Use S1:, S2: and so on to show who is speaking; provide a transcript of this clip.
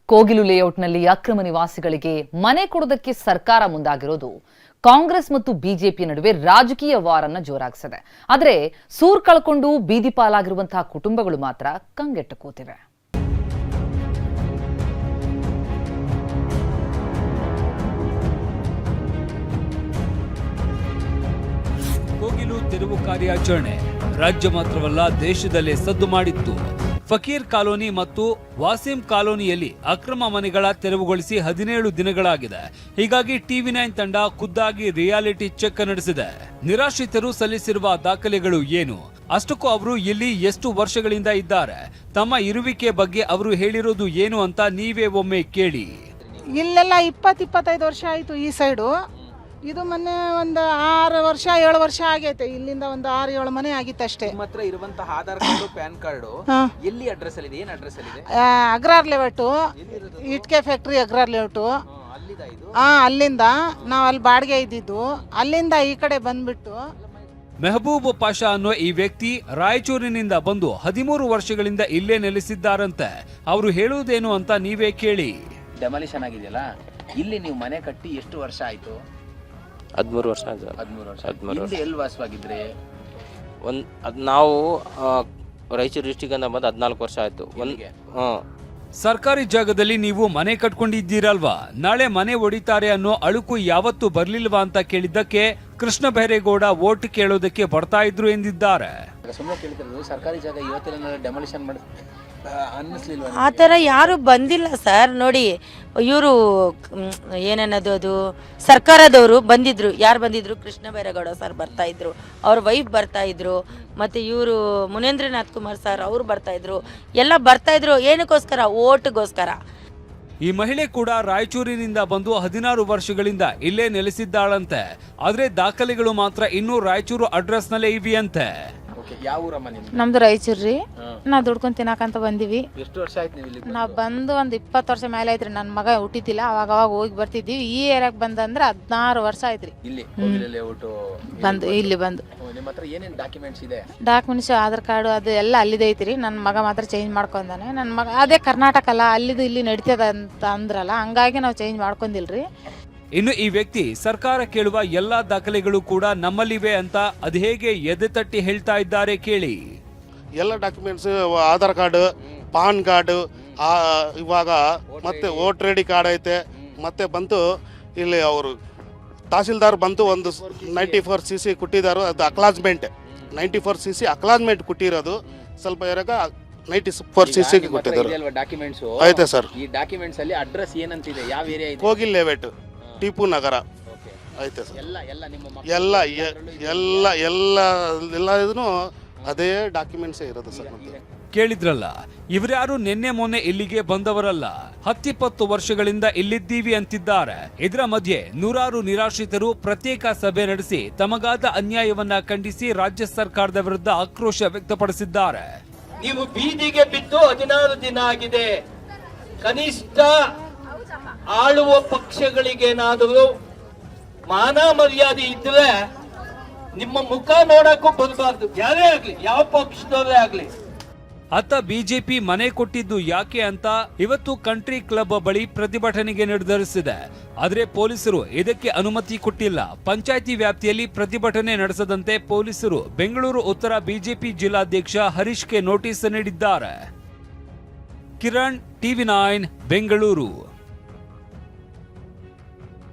S1: ಕೋಗಿಲು ಲೇಔಟ್ನಲ್ಲಿ ಅಕ್ರಮ ನಿವಾಸಿಗಳಿಗೆ ಮನೆ ಕೊಡೋದಕ್ಕೆ ಸರ್ಕಾರ ಮುಂದಾಗಿರೋದು ಕಾಂಗ್ರೆಸ್ ಮತ್ತು ಬಿಜೆಪಿ ನಡುವೆ ರಾಜಕೀಯ ವಾರನ್ನ ಜೋರಾಗಿಸಿದೆ. ಆದರೆ ಸೂರು ಕಳ್ಕೊಂಡು ಬೀದಿ ಪಾಲಾಗಿರುವಂತಹ ಕುಟುಂಬಗಳು ಮಾತ್ರ ಕಂಗೆಟ್ಟು ಕೂತಿವೆ.
S2: ಕೋಗಿಲು ತೆರವು ಕಾರ್ಯಾಚರಣೆ ರಾಜ್ಯ ಮಾತ್ರವಲ್ಲ ದೇಶದಲ್ಲೇ ಸದ್ದು ಮಾಡಿತ್ತು. ಫಕೀರ್ ಕಾಲೋನಿ ಮತ್ತು ವಾಸಿಂ ಕಾಲೋನಿಯಲ್ಲಿ ಅಕ್ರಮ ಮನೆಗಳ ತೆರವುಗೊಳಿಸಿ 17 ದಿನಗಳಾಗಿದೆ. ಹೀಗಾಗಿ ಟಿವಿ9 ತಂಡ ಖುದ್ದಾಗಿ ರಿಯಾಲಿಟಿ ಚೆಕ್ ನಡೆಸಿದೆ. ನಿರಾಶ್ರಿತರು ಸಲ್ಲಿಸಿರುವ ದಾಖಲೆಗಳು ಏನು, ಅಷ್ಟಕ್ಕೂ ಅವರು ಇಲ್ಲಿ ಎಷ್ಟು ವರ್ಷಗಳಿಂದ ಇದ್ದಾರೆ, ತಮ್ಮ ಇರುವಿಕೆ ಬಗ್ಗೆ ಅವರು ಹೇಳಿರೋದು ಏನು ಅಂತ ನೀವೇ ಒಮ್ಮೆ ಕೇಳಿ.
S3: ಇಲ್ಲೆಲ್ಲ 20-25 ವರ್ಷ ಆಯಿತು. ಈ ಸೈಡು ಇದು ಮೊನ್ನೆ ಒಂದು 6 ವರ್ಷ 7 ವರ್ಷ ಆಗೈತೆ. ಇಲ್ಲಿಂದ ಒಂದು 6-7 ಮನೆ ಆಗಿತ್ತು ಅಷ್ಟೇ.
S4: ನಿಮ್ಮ ಹತ್ರ ಇರುವಂತಹ ಆಧಾರ್ ಕಾರ್ಡು ಪ್ಯಾನ್ ಕಾರ್ಡು ಎಲ್ಲಿ ಅಡ್ರೆಸ್ ಅಲ್ಲಿ ಇದೆ? ಏನು ಅಡ್ರೆಸ್ ಅಲ್ಲಿ ಇದೆ?
S3: ಅಗ್ರಾರ್ ಲೇಔಟು, ಇಟ್ಕೆ ಫ್ಯಾಕ್ಟ್ರಿ ಅಗ್ರಾರ್ ಲೇಔಟು. ಅಲ್ಲಿಂದ ನಾವು ಅಲ್ಲಿ ಬಾಡಿಗೆ ಇದ್ದಿದ್ದು. ಅಲ್ಲಿಂದ ಈ ಕಡೆ ಬಂದ್ಬಿಟ್ಟು
S2: ಮೆಹಬೂಬ್ ಪಾಷಾ ಅನ್ನೋ ಈ ವ್ಯಕ್ತಿ ರಾಯಚೂರಿನಿಂದ ಬಂದು 13 ವರ್ಷಗಳಿಂದ ಇಲ್ಲೇ ನೆಲೆಸಿದ್ದಾರಂತೆ. ಅವರು ಹೇಳುವುದೇನು ಅಂತ ನೀವೇ ಕೇಳಿ.
S4: ಡೆಮಾಲಿಷನ್ ಆಗಿದೆಯಲ್ಲ, ಇಲ್ಲಿ ನೀವು ಮನೆ ಕಟ್ಟಿ ಎಷ್ಟು ವರ್ಷ ಆಯ್ತು?
S5: 13 ವರ್ಷ.
S4: 13 ವರ್ಷ. ಹಿಂದೆ ಎಲ್ಲಿ ವಾಸವಾಗಿದ್ರಿ?
S5: ನಾವು ರಾಯಚೂರು ಡಿಸ್ಟಿಕ್ ಅಂತ ಬಂದು 14 ವರ್ಷ ಆಯ್ತು.
S2: ಸರ್ಕಾರಿ ಜಾಗದಲ್ಲಿ ನೀವು ಮನೆ ಕಟ್ಕೊಂಡಿದ್ದೀರಲ್ವಾ, ನಾಳೆ ಮನೆ ಒಡಿತಾರೆ ಅನ್ನೋ ಅಳುಕು ಯಾವತ್ತೂ ಬರ್ಲಿಲ್ವಾ ಅಂತ ಕೇಳಿದ್ದಕ್ಕೆ ಕೃಷ್ಣ ಬೈರೇಗೌಡ ವೋಟ್ ಕೇಳೋದಕ್ಕೆ ಬರ್ತಾ ಇದ್ರು ಎಂದಿದ್ದಾರೆ.
S4: ಸುಮ್ಮನೆ ಕೇಳ್ತಿರೋದು, ಸರ್ಕಾರಿ ಜಾಗ ಇವತ್ತಿನ ಡೆಮಾಲಿಷನ್ ಮಾಡಿ ಅನ್ನಿಸ್ಲಿಲ್ವಾ?
S6: ಆ ಥರ ಯಾರು ಬಂದಿಲ್ಲ ಸರ್. ನೋಡಿ, ಇವರು ಏನನ್ನೋದು, ಅದು ಸರ್ಕಾರದವರು ಬಂದಿದ್ರು. ಯಾರು ಬಂದಿದ್ರು? ಕೃಷ್ಣ ಬೈರೇಗೌಡ ಸರ್ ಬರ್ತಾ ಇದ್ರು, ಅವ್ರ ವೈಫ್ ಬರ್ತಾ ಇದ್ರು, ಮತ್ತು ಇವರು ಮುನೇಂದ್ರನಾಥ್ ಕುಮಾರ್ ಸರ್ ಅವರು ಬರ್ತಾ ಇದ್ರು. ಎಲ್ಲ ಬರ್ತಾ ಇದ್ರು. ಏನಕ್ಕೋಸ್ಕರ? ಓಟ್ಗೋಸ್ಕರ.
S2: ಈ ಮಹಿಳೆ ಕೂಡ ರಾಯಚೂರಿನಿಂದ ಬಂದು 16 ವರ್ಷಗಳಿಂದ ಇಲ್ಲೇ ನೆಲೆಸಿದ್ದಾಳಂತೆ. ಆದ್ರೆ ದಾಖಲೆಗಳು ಮಾತ್ರ ಇನ್ನೂ ರಾಯಚೂರು ಅಡ್ರೆಸ್ ನಲ್ಲೇ ಇವೆಯಂತೆ.
S4: ಯಾವ ಊರಮ್ಮ ನಿಮ್ದು?
S7: ನಮ್ದು ರಾಯಚೂರು ರೀ. ನಾವು ದುಡ್ಕೊಂಡು ತಿನ್ನಕಂತ ಬಂದಿವಿ.
S4: ಎಷ್ಟು ವರ್ಷ ಆಯ್ತು ನೀವು ಇಲ್ಲಿ?
S7: ನಾವು ಬಂದು ಒಂದು 20 ವರ್ಷ ಮೇಲೆ ಆಯ್ತ್ರಿ. ನನ್ನ ಮಗ ಹುಟ್ಟಿತಿಲ್ಲ, ಅವಾಗ ಹೋಗಿ ಬರ್ತಿದ್ವಿ. ಈ ಏರಿಯಾಕ್ ಬಂದಂದ್ರೆ 16 ವರ್ಷ ಆಯ್ತ್ರಿ.
S4: ಇಲ್ಲಿ
S7: ಬಂದು ಇಲ್ಲಿ ಬಂದು.
S4: ನಿಮ್ಮ ಹತ್ರ ಏನೇನು ಡಾಕ್ಯುಮೆಂಟ್ಸ್ ಇದೆ?
S7: ಡಾಕ್ಯುಮೆಂಟ್ಸ್, ಆಧಾರ್ ಕಾರ್ಡು ಅದು ಎಲ್ಲ ಅಲ್ಲಿದೆ ಐತ್ರಿ. ನನ್ನ ಮಗ ಮಾತ್ರ ಚೇಂಜ್ ಮಾಡ್ಕೊಂಡಾನೆ. ನನ್ನ ಮಗ ಅದೇ ಕರ್ನಾಟಕ ಅಲ್ಲ, ಅಲ್ಲಿದು ಇಲ್ಲಿ ನಡೀತದ ಅಂತ ಅಂದ್ರಲ್ಲ, ಹಂಗಾಗಿ ನಾವು ಚೇಂಜ್ ಮಾಡ್ಕೊಂಡಿಲ್ರಿ.
S2: ಇನ್ನು ಈ ವ್ಯಕ್ತಿ ಸರ್ಕಾರ ಕೇಳುವ ಎಲ್ಲಾ ದಾಖಲೆಗಳು ಕೂಡ ನಮ್ಮಲ್ಲಿವೆ ಅಂತ ಅದು ಹೇಗೆ ಎದೆ ತಟ್ಟಿ ಹೇಳ್ತಾ ಇದ್ದಾರೆ ಕೇಳಿ.
S8: ಎಲ್ಲ documents, Aadhaar card, pan card, ಇವಾಗ ಮತ್ತೆ ವೋಟರ್ ಐ ಡಿ ಕಾರ್ಡ್ ಐತೆ. ಮತ್ತೆ ಬಂತು ಇಲ್ಲಿ ಅವರು ತಹಸೀಲ್ದಾರ್ ಬಂತು ಒಂದು 94cc ಕೊಟ್ಟಿದ್ದಾರೆ. ಅದು ಅಕ್ಲಾಜ್ಮೆಂಟ್ 94cc ಅಕ್ಲಾಜ್ಮೆಂಟ್ ಕೊಟ್ಟಿರೋದು. ಸ್ವಲ್ಪ ಇರಾಗ 94cc ಕೊಟ್ಟಿದ್ದಾರೆ.
S4: ಡಾಕ್ಯುಮೆಂಟ್ಸ್
S8: ಐತೆ ಸರ್.
S4: ಈ ಡಾಕ್ಯುಮೆಂಟ್ಸ್ ಅಲ್ಲಿ ಅಡ್ರೆಸ್ ಏನಂತಿದೆ? ಯಾವ ಏರಿಯಾ ಇದೆ?
S8: ಕೋಗಿಲ್ ಲೇಔಟ್, ಟಿಪ್ಪು ನಗರ ಐತೆ ಸರ್. ಎಲ್ಲ ಇದನ್ನು ಅದೇ ಡಾಕ್ಯುಮೆಂಟ್ಸ್ ಇರೋದು ಸರ್.
S2: ಕೇಳಿದ್ರಲ್ಲ, ಇವರ್ಯಾರು ನಿನ್ನೆ ಮೊನ್ನೆ ಇಲ್ಲಿಗೆ ಬಂದವರಲ್ಲ. 10-20 ವರ್ಷಗಳಿಂದ ಇಲ್ಲಿದ್ದೀವಿ ಅಂತಿದ್ದಾರೆ. ಇದರ ಮಧ್ಯೆ ನೂರಾರು ನಿರಾಶ್ರಿತರು ಪ್ರತ್ಯೇಕ ಸಭೆ ನಡೆಸಿ ತಮಗಾದ ಅನ್ಯಾಯವನ್ನ ಖಂಡಿಸಿ ರಾಜ್ಯ ಸರ್ಕಾರದ ವಿರುದ್ಧ ಆಕ್ರೋಶ ವ್ಯಕ್ತಪಡಿಸಿದ್ದಾರೆ.
S9: ನೀವು ಬೀದಿಗೆ ಬಿದ್ದು 16 ದಿನ ಆಗಿದೆ. ಕನಿಷ್ಠ ಆಳುವ ಪಕ್ಷಗಳಿಗೇನಾದರೂ ಮಾನ ಮರ್ಯಾದೆ ಇದ್ರೆ ನಿಮ್ಮ ಮುಖ ನೋಡಕ್ಕೂ ಬರಬಾರ್ದು. ಯಾರೇ ಆಗ್ಲಿ, ಯಾವ ಪಕ್ಷದವರೇ ಆಗ್ಲಿ.
S2: ಅತ್ತ ಬಿಜೆಪಿ ಮನೆ ಕೊಟ್ಟಿದ್ದು ಯಾಕೆ ಅಂತ ಇವತ್ತು ಕಂಟ್ರಿ ಕ್ಲಬ್ ಬಳಿ ಪ್ರತಿಭಟನೆಗೆ ನಿರ್ಧರಿಸಿದೆ. ಆದ್ರೆ ಪೊಲೀಸರು ಇದಕ್ಕೆ ಅನುಮತಿ ಕೊಟ್ಟಿಲ್ಲ. ಪಂಚಾಯಿತಿ ವ್ಯಾಪ್ತಿಯಲ್ಲಿ ಪ್ರತಿಭಟನೆ ನಡೆಸದಂತೆ ಪೊಲೀಸರು ಬೆಂಗಳೂರು ಉತ್ತರ ಬಿಜೆಪಿ ಜಿಲ್ಲಾಧ್ಯಕ್ಷ ಹರೀಶ್ಗೆ ನೋಟಿಸ್ ನೀಡಿದ್ದಾರೆ. ಕಿರಣ್, ಟಿವಿ9 ಬೆಂಗಳೂರು.